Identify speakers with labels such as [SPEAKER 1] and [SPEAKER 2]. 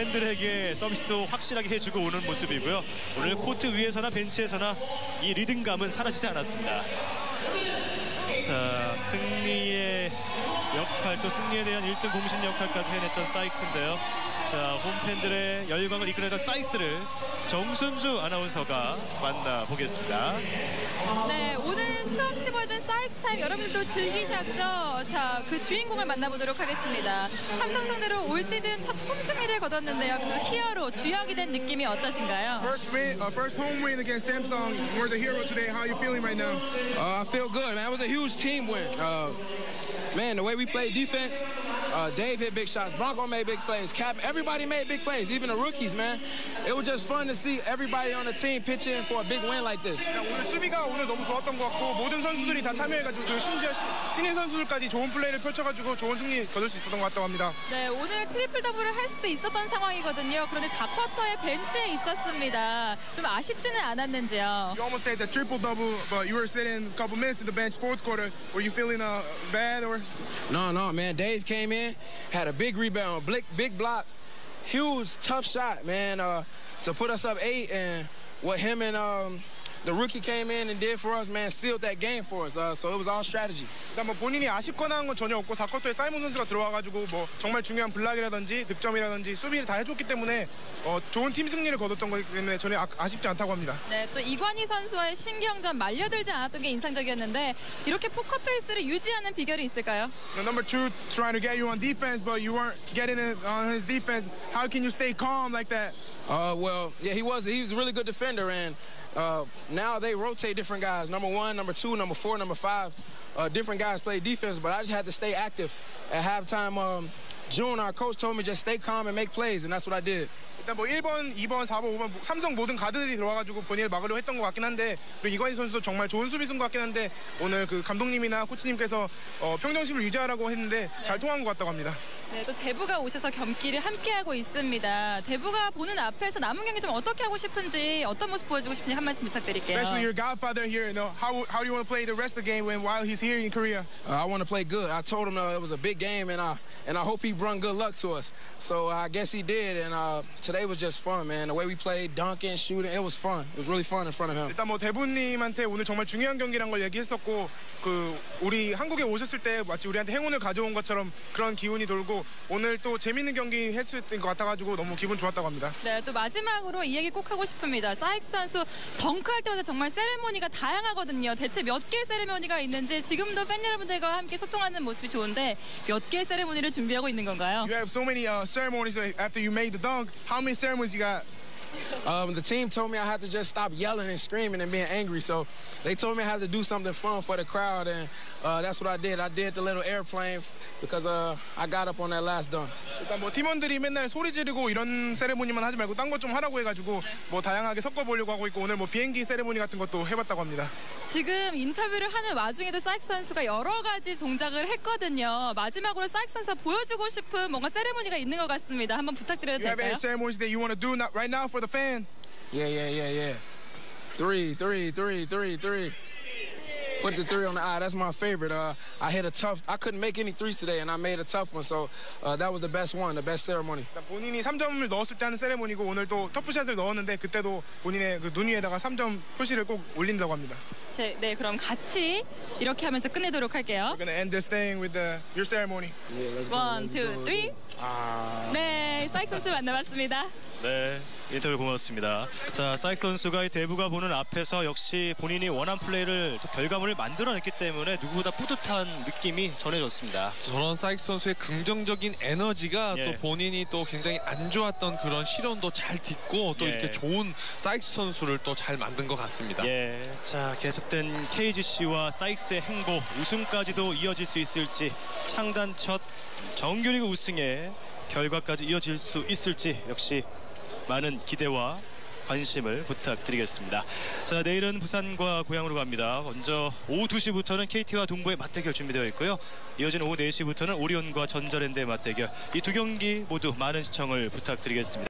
[SPEAKER 1] 팬들에게 서비스도 확실하게 해주고 오는 모습이고요. 오늘 코트 위에서나 벤치에서나 이 리듬감은 사라지지 않았습니다. 자, 승리의 역할, 또 승리에 대한 1등 공신 역할까지 해냈던 사익스인데요. 자, 홈팬들의 열광을 이끌어내던 사익스를 정순주 아나운서가 만나보겠습니다.
[SPEAKER 2] 네, 오늘 수없이 보여준 사익스 타임 여러분들도 즐기셨죠? 자, 그 주인공을 만나보도록 하겠습니다. 삼성 상대로 올 시즌 첫 홈승리를 거뒀는데요. 그 히어로, 주역이 된 느낌이 어떠신가요?
[SPEAKER 3] First home win against Samsung. We're the hero today. How are you feeling right now?
[SPEAKER 4] I feel good, man. It was a huge team win. Man, the way we played defense, Dave hit big shots, Bronco made big plays, Cap, everybody made big plays, even the rookies, man. It was just fun to see everybody on the team pitch in for a big win like this.
[SPEAKER 3] 오늘 수비가 오늘 너무 좋았던 것 같고 모든 선수들이 다 참여해가지고 심지어 신인 선수들까지 좋은 플레이를 펼쳐가지고 좋은 승리 거둘 수 있었던 것 같다고 합니다.
[SPEAKER 2] 네, 오늘 트리플 더블을 할 수도 있었던 상황이거든요. 그런데 4쿼터에 벤치에 있었습니다. 좀 아쉽지는 않았는지요?
[SPEAKER 3] You almost had the triple double, but you were sitting a couple minutes in the bench fourth quarter. Were you feeling bad or?
[SPEAKER 4] No, man. Dave came in, had a big rebound, big block, huge, tough shot, man, to put us up 8. And what him and the rookie came in and did for us, man, sealed that game for us. So it was all strategy.
[SPEAKER 3] 일단 뭐 본인이 아쉽거나 한 건 전혀 없고 4쿼터에 사이먼 선수가 들어와가지고 뭐 정말 중요한 블락이라든지 득점이라든지 수비를 다 해줬기 때문에 좋은 팀 승리를 거뒀던 거기 때문에 전혀 아쉽지 않다고 합니다.
[SPEAKER 2] 네, 또 이관희 선수와의 신경전 말려들지 않았던 게 인상적이었는데 이렇게 포커 페이스를 유지하는 비결이 있을까요?
[SPEAKER 3] Number 2 trying to get you on defense, but you weren't getting it on his defense. How can you stay calm like that?
[SPEAKER 4] Well, yeah, he was a really good defender, and now they rotate different guys. Number 1, number 2, number 4, number 5. Different guys play defense, but I just had to stay active. At halftime, June, our coach, told me just stay calm and make plays, and that's what I did.
[SPEAKER 3] 일단 뭐 1번, 2번, 4번, 5번 삼성 모든 가드들이 들어와가지고 본인을 막으려고 했던 것 같긴 한데 그리고 이관희 선수도 정말 좋은 수비수인 것 같긴 한데 오늘 그 감독님이나 코치님께서 평정심을 유지하라고 했는데 잘 통한 것 같다고 합니다.
[SPEAKER 2] 네, 또 대부가 오셔서 경기를 함께하고 있습니다. 대부가 보는 앞에서 남은 경기 좀 어떻게 하고 싶은지 어떤 모습 보여주고 싶은지 한 말씀 부탁드릴게요.
[SPEAKER 3] Especially your godfather here, you know, how do you want to play the rest of the game while he's here in Korea?
[SPEAKER 4] I want to play good. I told him it was a big game, and I hope he brought good luck to us. So I guess he did, and today was just fun, man. The way we played, dunking, shooting, it was fun. It was really fun in front of him.
[SPEAKER 3] 일단 뭐 대부님한테 오늘 정말 중요한 경기란 걸 얘기했었고 그 우리 한국에 오셨을 때 마치 우리한테 행운을 가져온 것처럼 그런 기운이 돌고 오늘 또 재밌는 경기 할 수 있는 것 같아가지고 너무 기분 좋았다고 합니다.
[SPEAKER 2] 네, 또 마지막으로 이 얘기 꼭 하고 싶습니다. 사익스 선수 덩크할 때마다 정말 세레모니가 다양하거든요. 대체 몇 개의 세레모니가 있는지 지금도 팬 여러분들과 함께 소통하는 모습이 좋은데 몇 개의 세레모니를 준비하고 있는 건가요?
[SPEAKER 3] You have so many ceremonies after you made the dunk. How many ceremonies you got?
[SPEAKER 4] The team told me I had to just stop yelling and screaming and being angry. So they told me I had to do something fun for the crowd, and that's what I did. I did the little airplane because I got up on that last dunk.
[SPEAKER 3] 일단 뭐 팀원들이 맨날 소리 지르고 이런 세레모니만 하지 말고 딴 것 좀 하라고 해가지고 뭐 다양하게 섞어보려고 하고 있고 오늘 뭐 비행기 세레모니 같은 것도 해봤다고 합니다.
[SPEAKER 2] 지금 인터뷰를 하는 와중에도 사익스 선수가 여러 가지 동작을 했거든요. 마지막으로 사익스 선수가 보여주고 싶은 뭔가 세레모니가 있는 것 같습니다. 한번 부탁드려도
[SPEAKER 3] You have
[SPEAKER 2] 될까요?
[SPEAKER 3] any ceremonies that you want to do right now for the fan?
[SPEAKER 4] Yeah. 3. Put the 3 on the eye. That's my favorite. I hit a tough. I couldn't make any threes today, and I made a tough one. So that was the best one, the best ceremony.
[SPEAKER 3] 본인이 3점을 넣었을 때 하는 세레모니고 오늘 또 터프샷을 넣었는데 그때도 본인의 그 눈 위에다가 3점 표시를 꼭 올린다고 합니다.
[SPEAKER 2] 네, 그럼 같이 이렇게 하면서 끝내도록 할게요.
[SPEAKER 3] We're gonna end this thing with your ceremony.
[SPEAKER 4] Yeah, let's go.
[SPEAKER 2] 1, 2, 3. 네, 사익스 선수 만나봤습니다.
[SPEAKER 1] 네, 인터뷰 고맙습니다. 자, 사익스 선수가 이 대부가 보는 앞에서 역시 본인이 원한 플레이를 또 결과물을 만들어냈기 때문에 누구보다 뿌듯한 느낌이 전해졌습니다.
[SPEAKER 5] 저런 사익스 선수의 긍정적인 에너지가
[SPEAKER 1] 예.
[SPEAKER 5] 또 본인이 또 굉장히 안 좋았던 그런 시련도 잘 딛고 또
[SPEAKER 1] 예.
[SPEAKER 5] 이렇게 좋은 사익스 선수를 또 잘 만든 것 같습니다.
[SPEAKER 1] 예, 자, 계속된 KGC와 사익스의 행보, 우승까지도 이어질 수 있을지, 창단 첫 정규리그 우승의 결과까지 이어질 수 있을지 역시 많은 기대와 관심을 부탁드리겠습니다. 자, 내일은 부산과 고향으로 갑니다. 먼저 오후 2시부터는 KT와 동부의 맞대결 준비되어 있고요. 이어진 오후 4시부터는 오리온과 전자랜드의 맞대결. 이 두 경기 모두 많은 시청을 부탁드리겠습니다.